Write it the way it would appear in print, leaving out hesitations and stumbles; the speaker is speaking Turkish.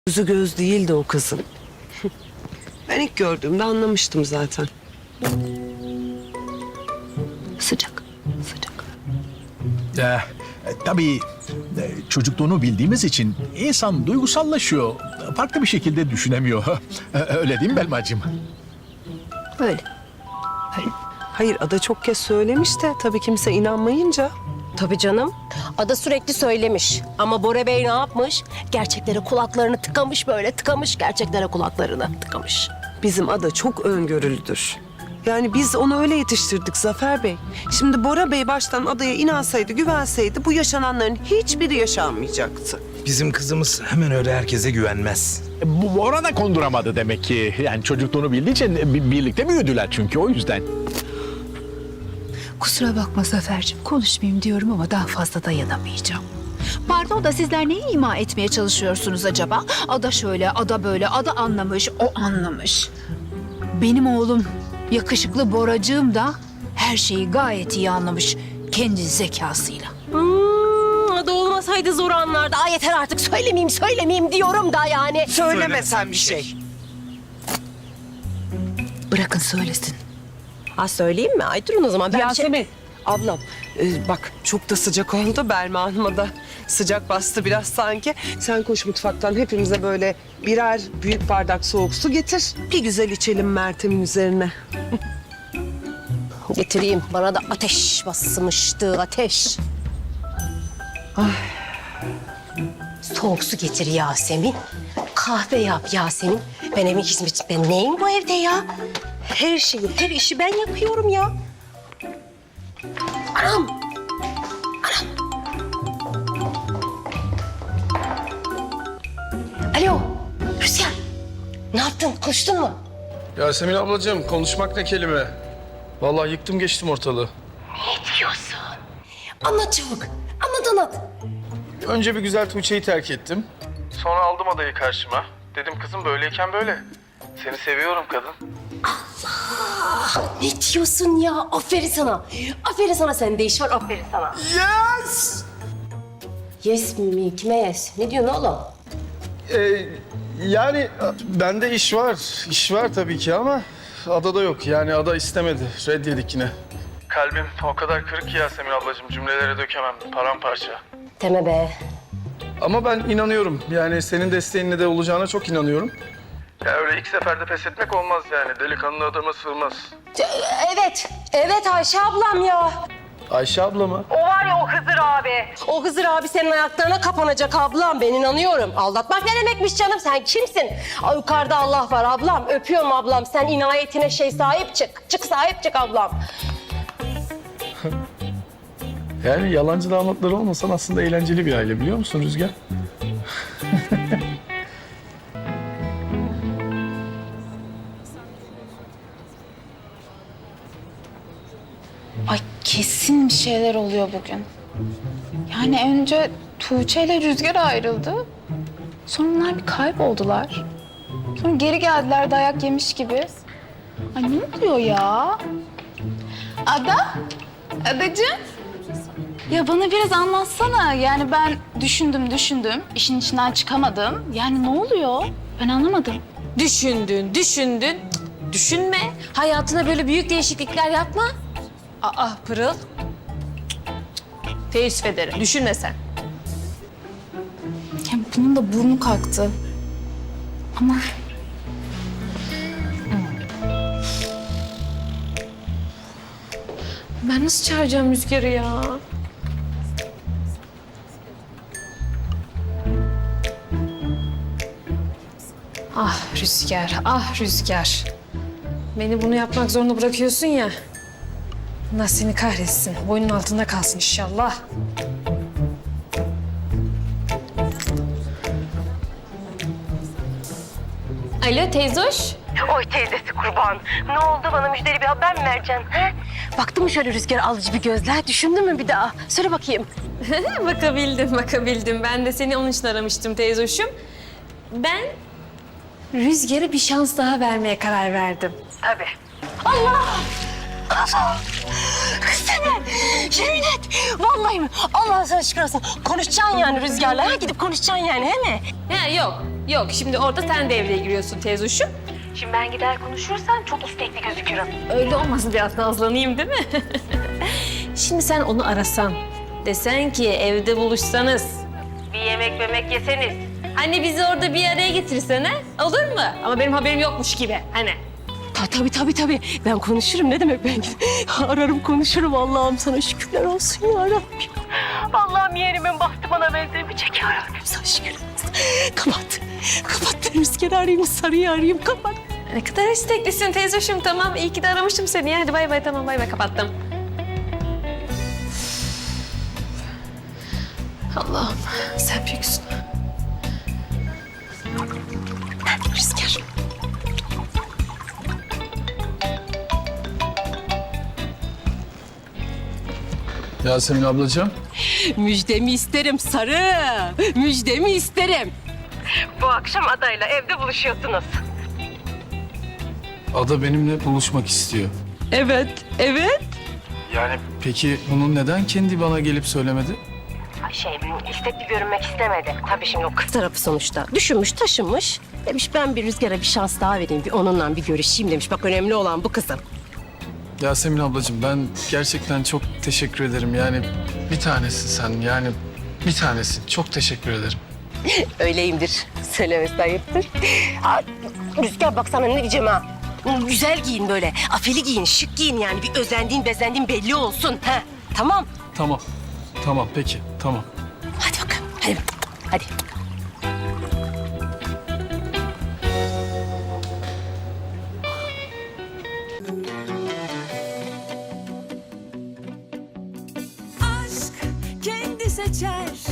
Gözü göz değildi o kızın. Ben ilk gördüğümde anlamıştım zaten. Sıcak, sıcak. Tabii çocukluğunu bildiğimiz için insan duygusallaşıyor. Farklı bir şekilde düşünemiyor. Öyle değil mi Belmacığım? Öyle. Hayır, Ada çok kez söylemiş de tabii kimse inanmayınca. Tabii canım. Ada sürekli söylemiş. Ama Bora Bey ne yapmış? Gerçeklere kulaklarını tıkamış böyle. Tıkamış gerçeklere kulaklarını tıkamış. Bizim Ada çok öngörülüdür. Yani biz onu öyle yetiştirdik Zafer Bey. Şimdi Bora Bey baştan Ada'ya inansaydı, güvenseydi bu yaşananların hiçbiri yaşanmayacaktı. Bizim kızımız hemen öyle herkese güvenmez. Bu Bora da konduramadı demek ki. Yani çocukluğunu bildiği için birlikte büyüdüler çünkü o yüzden. Kusura bakma Zafer'cim, konuşmayayım diyorum ama daha fazla dayanamayacağım. Pardon da sizler neyi ima etmeye çalışıyorsunuz acaba? Ada şöyle, ada böyle, ada anlamış, o anlamış. Benim oğlum, yakışıklı Boracığım da her şeyi gayet iyi anlamış kendi zekasıyla. Ada olmasaydı zor anlardı. Ay yeter artık söylemeyeyim diyorum da yani. Söylemesen bir şey. Bırakın söylesin. Ha söyleyeyim mi? Ay durun o zaman. Ben Yasemin, ablam bak çok da sıcak oldu. Belma Hanım'a da sıcak bastı biraz sanki. Sen koş mutfaktan hepimize böyle birer büyük bardak soğuk su getir. Bir güzel içelim Meltem'in üzerine. Getireyim. Bana da ateş basmıştı, ateş. Soğuk su getir Yasemin. Kahve yap Yasemin. Ben evin hizmetçisi. Ben neyim bu evde ya? Her şeyi, her işi ben yapıyorum ya. Anam! Alo, Rüzgar. Ne yaptın? Konuştun mu? Yasemin ablacığım konuşmak ne kelime? Vallahi yıktım geçtim ortalığı. Ne diyorsun? Anlat çabuk. Anlat. Önce bir güzel Tuğçe'yi terk ettim. Sonra aldım adayı karşıma. Dedim kızım böyleyken böyle. Seni seviyorum kadın. Ne diyorsun ya? Aferin sana. Aferin sana, sende iş var. Aferin sana. Yes! Yes mi? Kime yes? Ne diyorsun oğlum? Yani bende iş var. İş var tabii ki ama adada yok. Yani ada istemedi. Red yedik yine. Kalbim o kadar kırık ki Yasemin ablacığım. Cümlelere dökemem. Paramparça. Deme be. Ama ben inanıyorum. Yani senin desteğinle de olacağına çok inanıyorum. Ya öyle ilk seferde pes etmek olmaz yani. Delikanlı adama sığmaz. Evet Ayşe ablam ya. Ayşe abla mı? O var ya o Hızır abi. O Hızır abi senin ayaklarına kapanacak ablam. Ben inanıyorum. Aldatmak ne demekmiş canım? Sen kimsin? Ay, yukarıda Allah var ablam. Öpüyorum ablam. Sen inayetine sahip çık. Sahip çık ablam. Yani yalancı damatları olmasan aslında eğlenceli bir aile biliyor musun Rüzgar? Ay kesin bir şeyler oluyor bugün. Yani önce Tuğçe ile Rüzgar ayrıldı. Sonra onlar bir kayboldular. Sonra geri geldiler dayak yemiş gibi. Ay ne oluyor ya? Ada? Adacığım? Ya bana biraz anlatsana. Yani ben düşündüm. İşin içinden çıkamadım. Yani ne oluyor? Ben anlamadım. Düşündün. Düşünme. Hayatına böyle büyük değişiklikler yapma. Aa Pırıl. Teessüf ederim. Düşünme sen. Ya bunun da burnu kalktı. Ama Ben nasıl çağıracağım Rüzgar'ı ya? Ah Rüzgar. Beni bunu yapmak zorunda bırakıyorsun ya. Allah seni kahretsin. Boynun altında kalsın inşallah. Alo teyzoş. Oy teyzesi kurban. Ne oldu, bana müjdeli bir haber mi vereceksin? He? Baktın mı şöyle Rüzgar alıcı bir gözler? Düşündün mü bir daha? Söyle bakayım. Bakabildim. Ben de seni onun için aramıştım teyzoşum. Ben Rüzgar'a bir şans daha vermeye karar verdim. Tabii. Allah! Kız seni! Yemin et! Vallahi mi? Allah sana şükür olsun. Konuşacaksın yani Rüzgar'la. Ha? Gidip konuşacaksın yani, he mi? Ha yok. Yok, şimdi orada sen devreye giriyorsun teyzuşum. Şimdi ben gider konuşursam çok istekli gözükürüm. Öyle olmasın, biraz nazlanayım değil mi? Şimdi sen onu arasan, desen ki evde buluşsanız, bir yemek yeseniz. Hani bizi orada bir araya getirsene, olur mu? Ama benim haberim yokmuş gibi, hani. Tabii. Ben konuşurum. Ne demek ben? Ararım konuşurum. Allah'ım sana şükürler olsun ya Rabbim. Allah'ım yeğenimin bahtı bana benzemeyecek ya Rabbim. Sana şükürler olsun. Kapat. Ben Rüzgar'ı arayayım, Sarı'yı arayayım. Kapat. Ne kadar isteklisin teyzeciğim, tamam. İyi ki de aramıştım seni. Hadi bay bay, tamam bay bay, kapattım. Allah'ım sen büyüksün. Rüzgar. Yasemin ablacığım. Müjdemi isterim Sarı. Müjdemi isterim. Bu akşam adayla evde buluşuyorsunuz. Ada benimle buluşmak istiyor. Evet. Yani peki bunu neden kendi bana gelip söylemedi? İstekli görünmek istemedi. Tabii şimdi o kız tarafı sonuçta. Düşünmüş, taşınmış. Demiş ben bir Rüzgar'a bir şans daha vereyim. Bir onunla bir görüşeyim demiş. Bak önemli olan bu kızım. Yasemin ablacığım ben gerçekten çok teşekkür ederim. Yani bir tanesin sen yani bir tanesin. Çok teşekkür ederim. Öyleyimdir. Söylemesi ayıptır. Aa, Rüzgar bak sana ne diyeceğim ha. Güzel giyin böyle. Afili giyin, şık giyin yani. Bir özendiğin, bezendiğin belli olsun. Ha, tamam. Tamam peki tamam. Hadi bakalım. Hadi. aşk kendi seçer